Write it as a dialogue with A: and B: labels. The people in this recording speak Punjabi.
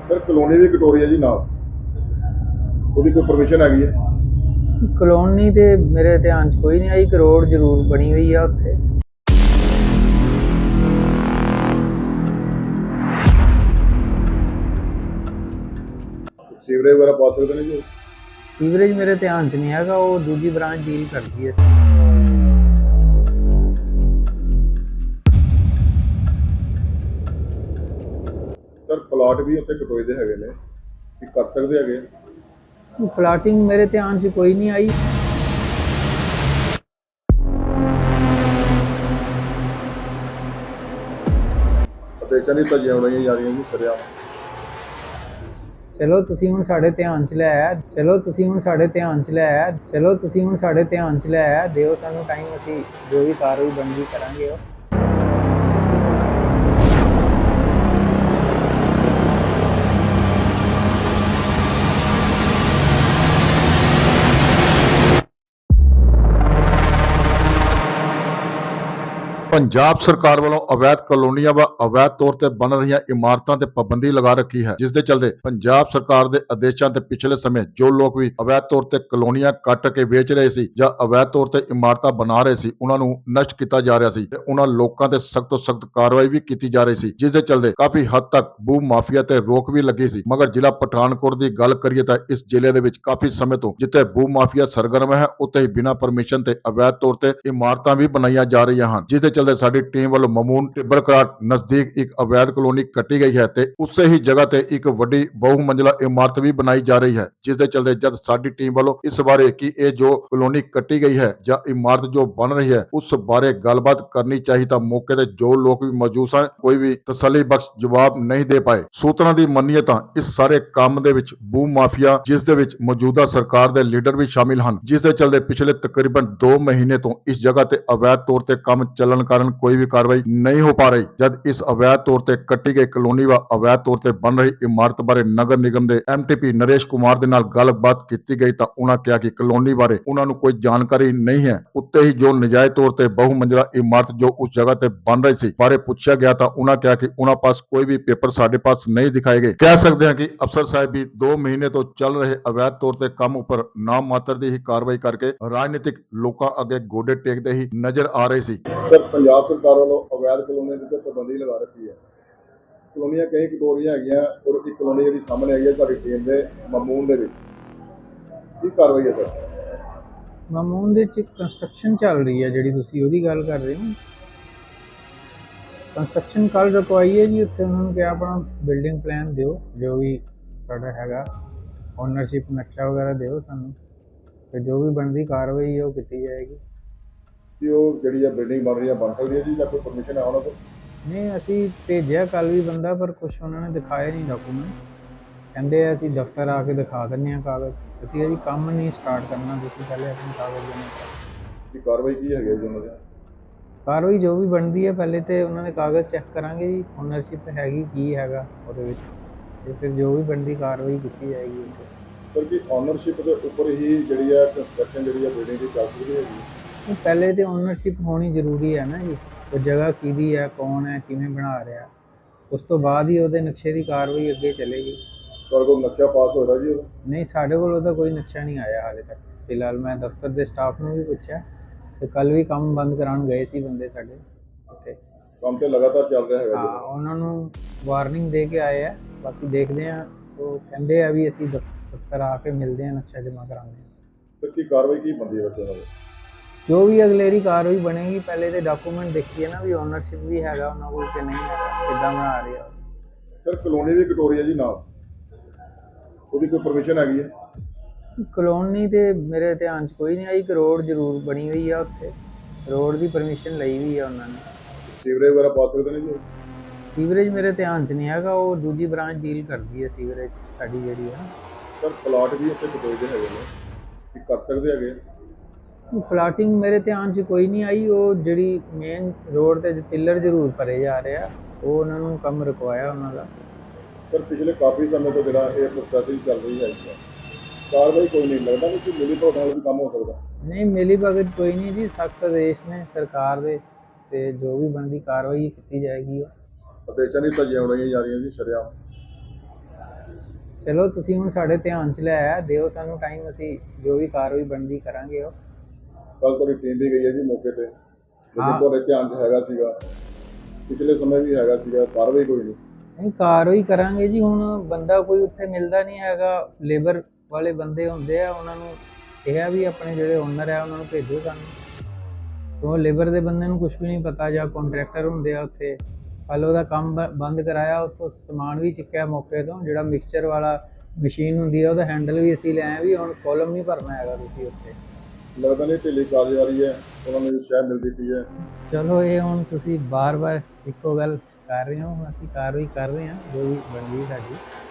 A: ਸਰ ਕਲੋਨੀ ਦੀ ਕਟੋਰੀ ਹੈ ਜੀ ਨਾਲ, ਉਹਦੀ ਕੋਈ ਪਰਮਿਸ਼ਨ ਹੈਗੀ ਹੈ?
B: ਕਲੋਨੀ ਤੇ ਮੇਰੇ ਧਿਆਨ 'ਚ ਕੋਈ ਨਹੀਂ ਆਈ। ਇੱਕ ਰੋਡ ਜ਼ਰੂਰ ਬਣੀ ਹੋਈ ਆ ਉੱਥੇ।
A: ਸੀਵਰੇਜ ਵਗੈਰਾ ਪਾ ਸਕਦੇ ਨੇ ਜੀ?
B: ਸੀਵਰੇਜ ਮੇਰੇ ਧਿਆਨ 'ਚ ਨਹੀਂ ਹੈਗਾ, ਉਹ ਦੂਜੀ ਬ੍ਰਾਂਚ ਡੀਲ ਕਰਦੀ ਹੈ।
A: ਸਰ ਪਲਾਟ ਵੀ ਉੱਥੇ ਕਟੋਈ ਦੇ ਹੈਗੇ ਨੇ, ਕੀ ਕਰ ਸਕਦੇ ਹੈਗੇ?
B: ਪਲਾਟਿੰਗ ਮੇਰੇ ਧਿਆਨ 'ਚ ਕੋਈ ਨਹੀਂ ਆਈ।
A: ਆਦੇਸ਼ਾਂ ਦੀ ਧੱਜੀਆਂ ਉਡਾਈਆਂ ਜਾ ਰਹੀਆਂ ਜੀ ਸਰਿਆਮ।
B: ਚਲੋ ਤੁਸੀਂ ਹੁਣ ਸਾਡੇ ਧਿਆਨ 'ਚ ਲੈ ਆਇਆ, ਦਿਓ ਸਾਨੂੰ ਟਾਈਮ, ਅਸੀਂ ਜੋ ਵੀ ਕਾਰਵਾਈ ਬਣਦੀ ਕਰਾਂਗੇ ਉਹ।
A: ਪੰਜਾਬ ਸਰਕਾਰ ਵੱਲੋਂ ਅਵੈਧ ਕਲੋਨੀਆਂ व ਅਵੈਧ ਤੌਰ ਤੇ ਬਣ ਰਹੀਆਂ ਇਮਾਰਤਾਂ ਤੇ ਪਾਬੰਦੀ ਲਗਾ ਰੱਖੀ ਹੈ, ਜਿਸ ਦੇ ਚਲਦੇ ਪੰਜਾਬ ਸਰਕਾਰ ਦੇ ਆਦੇਸ਼ਾਂ ਤੇ ਪਿਛਲੇ ਸਮੇਂ ਜੋ ਲੋਕ ਵੀ ਅਵੈਧ ਤੌਰ ਤੇ ਕਲੋਨੀਆਂ ਕੱਟ ਕੇ ਵੇਚ ਰਹੇ ਸੀ ਜਾਂ ਅਵੈਧ ਤੌਰ ਤੇ ਇਮਾਰਤਾਂ ਬਣਾ ਰਹੇ ਸੀ, ਉਹਨਾਂ ਨੂੰ ਨਸ਼ਟ ਕੀਤਾ ਜਾ ਰਿਹਾ ਸੀ ਤੇ ਉਹਨਾਂ ਲੋਕਾਂ ਤੇ ਸਖਤ ਤੋਂ ਸਖਤ ਕਾਰਵਾਈ ਵੀ ਕੀਤੀ ਜਾ ਰਹੀ ਸੀ, ਜਿਸ ਦੇ ਚਲਦੇ ਕਾਫੀ ਹੱਦ ਤੱਕ ਭੂ ਮਾਫੀਆ ਤੇ ਰੋਕ ਵੀ ਲੱਗੀ ਸੀ। ਮਗਰ ਜ਼ਿਲ੍ਹਾ ਪਠਾਨਕੋਟ ਦੀ ਗੱਲ ਕਰੀਏ ਤਾਂ ਇਸ ਜ਼ਿਲ੍ਹੇ ਦੇ ਵਿੱਚ ਕਾਫੀ ਸਮੇਂ ਤੋਂ ਜਿੱਥੇ ਭੂ ਮਾਫੀਆ ਸਰਗਰਮ ਹੈ, ਉੱਥੇ ਹੀ ਬਿਨਾਂ ਪਰਮਿਸ਼ਨ ਤੇ ਅਵੈਧ ਤੌਰ ਤੇ ਇਮਾਰਤਾਂ ਵੀ ਬਣਾਈਆਂ ਜਾ ਰਹੀਆਂ ਹਨ, ਜਿਸ ਦੇ ਚਲਦੇ ਸਾਡੀ ਟੀਮ ਵੱਲੋਂ ਮਮੂਨ ਟਿੱਬਰਕਰਾਟ ਨਜ਼ਦੀਕ ਇੱਕ ਅਵੈਧ ਕਲੋਨੀ ਕੱਟੀ ਗਈ ਹੈ ਤੇ ਉਸੇ ਹੀ ਜਗ੍ਹਾ ਤੇ ਇੱਕ ਵੱਡੀ ਬਹੁ ਮੰਜ਼ਲਾ ਇਮਾਰਤ ਵੀ ਬਣਾਈ ਜਾ ਰਹੀ ਹੈ, ਜਿਸ ਦੇ ਚਲਦੇ ਜਦ ਸਾਡੀ ਟੀਮ ਵੱਲੋਂ ਇਸ ਬਾਰੇ ਕਿ ਇਹ ਜੋ ਕਲੋਨੀ ਕੱਟੀ ਗਈ ਹੈ ਜਾਂ ਇਮਾਰਤ ਜੋ ਬਣ ਰਹੀ ਹੈ ਉਸ ਬਾਰੇ ਗੱਲਬਾਤ ਕਰਨੀ ਚਾਹੀ ਤਾਂ ਮੌਕੇ ਤੇ ਜੋ ਲੋਕ ਵੀ ਮੌਜੂਦ ਸਨ ਕੋਈ ਵੀ ਤਸੱਲੀ ਬਖਸ਼ ਜਵਾਬ ਨਹੀਂ ਦੇ ਪਾਏ। ਸੂਤਰਾਂ ਦੀ ਮੰਨੀਏ ਤਾਂ ਇਸ ਸਾਰੇ ਕੰਮ ਦੇ ਵਿੱਚ ਭੂ ਮਾਫੀਆ, ਜਿਸ ਦੇ ਵਿੱਚ ਮੌਜੂਦਾ ਸਰਕਾਰ ਦੇ ਲੀਡਰ ਵੀ ਸ਼ਾਮਿਲ ਹਨ, ਜਿਸ ਦੇ ਚਲਦੇ ਪਿਛਲੇ ਤਕਰੀਬਨ 2 ਮਹੀਨੇ ਤੋਂ ਇਸ ਜਗ੍ਹਾ ਤੇ ਅਵੈਧ ਤੌਰ ਤੇ ਕੰਮ ਚੱਲਣ ਕਾਰਨ ਕੋਈ ਵੀ ਕਾਰਵਾਈ ਨਹੀਂ ਹੋ ਪਾ ਰਹੀ। ਜਦ ਇਸ ਅਵੈਧ ਤੌਰ ਤੇ ਕੱਟੀ ਗਈ ਕਲੋਨੀ व ਅਵੈਧ ਤੌਰ ਤੇ ਬਣ ਰਹੀ ਇਮਾਰਤ ਬਾਰੇ ਨਗਰ ਨਿਗਮ ਦੇ ਐਮਟੀਪੀ ਨਰੇਸ਼ ਕੁਮਾਰ ਦੇ ਨਾਲ ਗੱਲਬਾਤ ਕੀਤੀ ਗਈ ਤਾਂ ਉਹਨਾਂ ਕਿਹਾ ਕਿ ਕਲੋਨੀ ਬਾਰੇ ਉਹਨਾਂ ਨੂੰ ਕੋਈ ਜਾਣਕਾਰੀ ਨਹੀਂ ਹੈ। ਉੱਤੇ ਹੀ ਜੋ ਨਜਾਇਜ਼ ਤੌਰ ਤੇ ਬਹੁ ਮੰਜ਼ਲਾ ਇਮਾਰਤ ਜੋ ਉਸ ਜਗ੍ਹਾ ਤੇ ਬਣ ਰਹੀ ਸੀ ਬਾਰੇ ਪੁੱਛਿਆ ਗਿਆ ਤਾਂ ਉਹਨਾਂ ਕਿਹਾ ਕਿ ਉਹਨਾਂ ਪਾਸ ਕੋਈ ਵੀ ਪੇਪਰ ਸਾਡੇ ਪਾਸ ਨਹੀਂ ਦਿਖਾਏ ਗਏ। ਕਹਿ ਸਕਦੇ ਹਾਂ ਕਿ ਅਫਸਰ ਸਾਹਿਬ ਵੀ 2 ਮਹੀਨੇ ਤੋਂ ਚੱਲ ਰਹੇ ਅਵੈਧ ਤੌਰ ਤੇ ਕੰਮ ਉੱਪਰ ਨਾਮ ਮਾਤਰ ਦੀ ਹੀ ਕਾਰਵਾਈ ਕਰਕੇ ਰਾਜਨੀਤਿਕ ਲੋਕਾਂ ਅੱਗੇ ਗੋਡੇ ਟੇਕਦੇ ਹੀ ਨਜ਼ਰ ਆ ਰਹੇ ਸੀ। ਸਰ ਪੰਜਾਬ ਸਰਕਾਰ ਵੱਲੋਂ ਅਵੈਧ ਕਲੋਨੀਆਂ ਦੀ ਪਾਬੰਦੀ ਲਗਾ ਰੱਖੀ ਹੈ। ਕਲੋਨੀਆਂ ਕਈ ਕਟੋਰੀਆਂ ਹੈਗੀਆਂ ਔਰ ਇੱਕ ਕਲੋਨੀ ਜਿਹੜੀ ਸਾਹਮਣੇ ਆਈ ਹੈ ਤੁਹਾਡੀ ਟੀਮ ਦੇ ਮਮੂਨ ਦੇ ਵਿੱਚ, ਕੀ ਕਾਰਵਾਈ ਹੈ ਸਰ?
B: ਮਾਮੂਨ ਦੇ 'ਚ ਕੰਸਟਰਕਸ਼ਨ ਚੱਲ ਰਹੀ ਹੈ, ਜਿਹੜੀ ਤੁਸੀਂ ਉਹਦੀ ਗੱਲ ਕਰ ਰਹੇ ਹੋ। ਕੰਸਟਰਕਸ਼ਨ ਕੱਲ ਰੁਕਵਾਈ ਹੈ ਜੀ। ਉੱਥੇ ਉਹਨਾਂ ਨੂੰ ਕਿਹਾ ਆਪਣਾ ਬਿਲਡਿੰਗ ਪਲਾਨ ਦਿਓ, ਜੋ ਵੀ ਤੁਹਾਡਾ ਹੈਗਾ ਓਨਰਸ਼ਿਪ ਨਕਸ਼ਾ ਵਗੈਰਾ ਦਿਓ ਸਾਨੂੰ, ਤੇ ਜੋ ਵੀ ਬਣਦੀ ਕਾਰਵਾਈ ਹੈ ਉਹ ਕੀਤੀ ਜਾਏਗੀ।
A: ਕਿ ਉਹ ਜਿਹੜੀ ਆ ਬਿਲਡਿੰਗ ਬਣ ਰਹੀ ਹੈ ਬਣ ਸਕਦੀ ਹੈ ਜੀ ਜਾਂ ਕੋਈ ਪਰਮਿਸ਼ਨ ਹੈ ਉਹਨਾਂ ਕੋਲ?
B: ਨਹੀਂ, ਅਸੀਂ ਭੇਜਿਆ ਕੱਲ ਵੀ ਬੰਦਾ, ਪਰ ਕੁਛ ਉਹਨਾਂ ਨੇ ਦਿਖਾਏ ਨਹੀਂ ਡਾਕੂਮੈਂਟ। ਕਹਿੰਦੇ ਅਸੀਂ ਦਫ਼ਤਰ ਆ ਕੇ ਦਿਖਾ ਦਿੰਦੇ ਹਾਂ ਕਾਗਜ਼। ਅਸੀਂ ਅਜੀ ਕੰਮ ਨਹੀਂ ਸਟਾਰਟ ਕਰਨਾ, ਤੁਸੀਂ ਪਹਿਲੇ ਆਪਣੇ ਕਾਗਜ਼ ਜਮ੍ਹਾਂ ਕਰੋ।
A: ਕੀ ਕਾਰਵਾਈ ਕੀ ਹੈਗੀ ਜੀ ਉਹਨਾਂ ਦੀ?
B: ਕਾਰਵਾਈ ਜੋ ਵੀ ਬਣਦੀ ਹੈ, ਪਹਿਲੇ ਤੇ ਉਹਨਾਂ ਦੇ ਕਾਗਜ਼ ਚੈੱਕ ਕਰਾਂਗੇ ਜੀ, ਓਨਰਸ਼ਿਪ ਹੈਗੀ ਕੀ ਹੈਗਾ ਉਹਦੇ ਵਿੱਚ, ਤੇ ਫਿਰ ਜੋ ਵੀ ਬਣਦੀ ਕਾਰਵਾਈ ਕੀਤੀ ਜਾਏਗੀ ਉੱਥੇ।
A: ਸਰ ਕੀ ਓਨਰਸ਼ਿਪ ਦੇ ਉੱਪਰ ਹੀ ਜਿਹੜੀ ਹੈ ਕੰਸਟਰਕਸ਼ਨ ਜਿਹੜੀ ਹੈ ਬਿਲਡਿੰਗ ਦੀ ਚੱਲ ਸਕਦੀ ਹੈਗੀ?
B: ਪਹਿਲੇ ਤੇ ਓਨਰਸ਼ਿਪ ਹੋਣੀ ਜ਼ਰੂਰੀ ਹੈ ਨਾ ਜੀ, ਉਹ ਜਗ੍ਹਾ ਕਿਹਦੀ ਹੈ, ਕੌਣ ਹੈ, ਕਿਵੇਂ ਬਣਾ ਰਿਹਾ, ਉਸ ਤੋਂ ਬਾਅਦ ਹੀ ਉਹਦੇ ਨਕਸ਼ੇ ਦੀ ਕਾਰਵਾਈ ਅੱਗੇ ਚੱਲੇਗੀ।
A: ਤੁਹਾਡੇ ਕੋਲ ਨਕਸ਼ਾ ਪਾਸ ਹੋਇਆ ਜੀ ਉਹਦਾ?
B: ਨਹੀਂ, ਸਾਡੇ ਕੋਲ ਉਹਦਾ ਕੋਈ ਨਕਸ਼ਾ ਨਹੀਂ ਆਇਆ ਹਾਲੇ ਤੱਕ। ਫਿਲਹਾਲ ਮੈਂ ਦਫ਼ਤਰ ਦੇ ਸਟਾਫ ਨੂੰ ਵੀ ਪੁੱਛਿਆ ਤੇ ਕੱਲ ਵੀ ਕੰਮ ਬੰਦ ਕਰਾਉਣ ਗਏ ਸੀ ਬੰਦੇ ਸਾਡੇ ਉੱਥੇ।
A: ਕੰਮ ਤੇ ਲਗਾਤਾਰ ਚੱਲ ਰਿਹਾ ਹੈਗਾ
B: ਹਾਂ, ਉਹਨਾਂ ਨੂੰ ਵਾਰਨਿੰਗ ਦੇ ਕੇ ਆਏ ਆ, ਬਾਕੀ ਦੇਖਦੇ ਆ। ਉਹ ਕਹਿੰਦੇ ਆ ਵੀ ਅਸੀਂ ਦਫ਼ਤਰ ਆ ਕੇ ਮਿਲਦੇ ਆ, ਨਕਸ਼ਾ ਜਮ੍ਹਾਂ ਕਰਾਉਂਦੇ ਆ।
A: ਸਰ ਕੀ ਕਾਰਵਾਈ ਕੀ ਬਣਦੀ ਹੈ ਬੱਚਿਆਂ ਨਾਲ?
B: ਜੋ ਵੀ ਅਗਲੇਰੀ ਕਾਰਵਾਈ ਬਣੇਗੀ, ਪਹਿਲੇ ਤੇ ਡਾਕੂਮੈਂਟ ਦੇਖੀਏ ਨਾ ਵੀ ਓਨਰਸ਼ਿਪ ਵੀ ਹੈਗਾ ਉਹਨਾਂ ਕੋਲ ਕਿ ਨਹੀਂ ਹੈਗਾ, ਕਿੱਦਾਂ ਬਣਾ ਰਿਹਾ।
A: ਸਰ ਕਲੋਨੀ ਦੀ ਕਟੋਰੀ ਹੈ ਜੀ ਨਾਲ, ਉਹਦੀ ਕੋਈ ਪਰਮਿਸ਼ਨ ਹੈਗੀ ਹੈ?
B: ਕਲੋਨੀ ਤੇ ਮੇਰੇ ਧਿਆਨ 'ਚ ਕੋਈ ਨਹੀਂ ਆਈ। ਇੱਕ ਰੋਡ ਜ਼ਰੂਰ ਬਣੀ ਹੋਈ ਆ ਉੱਥੇ, ਰੋਡ ਦੀ ਪਰਮਿਸ਼ਨ ਲਈ ਵੀ ਆ ਉਹਨਾਂ ਨੇ।
A: ਸੀਵਰੇਜ ਵਗੈਰਾ ਪਾ ਸਕਦੇ ਨੇ ਜੀ?
B: ਸੀਵਰੇਜ ਮੇਰੇ ਧਿਆਨ 'ਚ ਨਹੀਂ ਹੈਗਾ, ਉਹ ਦੂਜੀ ਬ੍ਰਾਂਚ ਡੀਲ ਕਰਦੀ ਹੈ ਸੀਵਰੇਜ ਸਾਡੀ ਜਿਹੜੀ ਹੈ।
A: ਸਰ ਪਲਾਟ ਵੀ ਉੱਥੇ ਕਟੋਈ ਦੇ ਹੈਗੇ ਨੇ, ਕੀ ਕਰ ਸਕਦੇ ਹੈਗੇ?
B: ਪਲਾਟਿੰਗ ਮੇਰੇ ਧਿਆਨ 'ਚ ਕੋਈ ਨਹੀਂ ਆਈ। ਉਹ ਜਿਹੜੀ ਮੇਨ ਰੋਡ ਤੇ ਪਿੱਲਰ ਜ਼ਰੂਰ ਭਰੇ ਜਾ ਰਹੇ ਆ, ਉਹ ਉਹਨਾਂ ਨੂੰ ਕੰਮ ਰੁਕਵਾਇਆ ਉਹਨਾਂ ਦਾ।
A: ਸਰ ਪਿਛਲੇ ਕਾਫੀ ਸਮੇਂ ਤੋਂ ਜਿਹੜਾ ਇਹ ਪ੍ਰੋਸੈਸਿੰਗ ਚੱਲ ਰਹੀ ਹੈ, ਕਾਰਵਾਈ ਕੋਈ ਨਹੀਂ ਲੱਗਦਾ ਕਿ ਮਿਲੀ ਭਗਤ ਨਾਲ ਵੀ ਕੰਮ ਹੋ ਸਕਦਾ?
B: ਨਹੀਂ, ਮਿਲੀ ਭਗਤ ਕੋਈ ਨਹੀਂ ਜੀ, ਸਖਤ ਆਦੇਸ਼ ਨੇ ਸਰਕਾਰ ਦੇ, ਤੇ ਜੋ ਵੀ ਬਣਦੀ ਕਾਰਵਾਈ ਕੀਤੀ ਜਾਏਗੀ ਉਹ।
A: ਆਦੇਸ਼ਾਂ ਦੀ ਧੱਜੀਆਂ ਉਡਾਈਆਂ ਜਾ ਰਹੀਆਂ ਜੀ ਸ਼ਰੇਆਮ।
B: ਚਲੋ ਤੁਸੀਂ ਹੁਣ ਸਾਡੇ ਧਿਆਨ 'ਚ ਲਿਆਇਆ, ਦਿਓ ਸਾਨੂੰ ਟਾਈਮ, ਅਸੀਂ ਜੋ ਵੀ ਕਾਰਵਾਈ ਬਣਦੀ ਕਰਾਂਗੇ। ਉਹ
A: ਕੱਲ ਤੁਹਾਡੀ ਟੀਮ ਵੀ ਗਈ ਹੈ ਜੀ ਮੌਕੇ ਤੇ,
B: ਹਾਂ।
A: ਲੇਕਿਨ ਤੁਹਾਡੇ ਧਿਆਨ 'ਚ ਹੈਗਾ ਸੀਗਾ, ਪਿਛਲੇ ਸਮੇਂ ਵੀ ਹੈਗਾ ਸੀਗਾ, ਕਾਰਵਾਈ ਕੋਈ ਨਹੀਂ।
B: ਨਹੀਂ, ਕਾਰਵਾਈ ਕਰਾਂਗੇ ਜੀ। ਹੁਣ ਬੰਦਾ ਕੋਈ ਉੱਥੇ ਮਿਲਦਾ ਨਹੀਂ ਹੈਗਾ, ਲੇਬਰ ਵਾਲੇ ਬੰਦੇ ਹੁੰਦੇ ਆ, ਉਹਨਾਂ ਨੂੰ ਕਿਹਾ ਵੀ ਆਪਣੇ ਜਿਹੜੇ ਓਨਰ ਆ ਉਹਨਾਂ ਨੂੰ ਭੇਜੋ ਸਾਨੂੰ, ਕਿਉਂ ਲੇਬਰ ਦੇ ਬੰਦੇ ਨੂੰ ਕੁਝ ਵੀ ਨਹੀਂ ਪਤਾ, ਜਾਂ ਕੰਟਰੈਕਟਰ ਹੁੰਦੇ ਆ ਉੱਥੇ। ਕੱਲ ਉਹਦਾ ਕੰਮ ਬੰਦ ਕਰਾਇਆ, ਉੱਥੋਂ ਸਮਾਨ ਵੀ ਚੁੱਕਿਆ ਮੌਕੇ ਤੋਂ, ਜਿਹੜਾ ਮਿਕਸਚਰ ਵਾਲਾ ਮਸ਼ੀਨ ਹੁੰਦੀ ਆ ਉਹਦਾ ਹੈਂਡਲ ਵੀ ਅਸੀਂ ਲੈ ਆਏ ਵੀ ਹੁਣ ਕੋਲਮ ਨਹੀਂ ਭਰਨਾ ਹੈਗਾ ਤੁਸੀਂ ਉੱਥੇ।
A: ਲੱਗਦਾ ਨਹੀਂ ਢਿੱਲੀ ਕਾਰਜਕਾਰੀ ਹੈ, ਉਹਨਾਂ ਨੂੰ ਸ਼ਹਿ ਮਿਲਦੀ ਪਈ ਹੈ।
B: ਚਲੋ ਇਹ ਹੁਣ ਤੁਸੀਂ ਬਾਰ-ਬਾਰ ਇੱਕੋ ਗੱਲ ਕਰ ਰਹੇ ਹੋ, ਅਸੀਂ ਕਾਰਵਾਈ ਕਰ ਰਹੇ ਹਾਂ ਜੋ ਵੀ ਬਣਦੀ ਸਾਡੀ।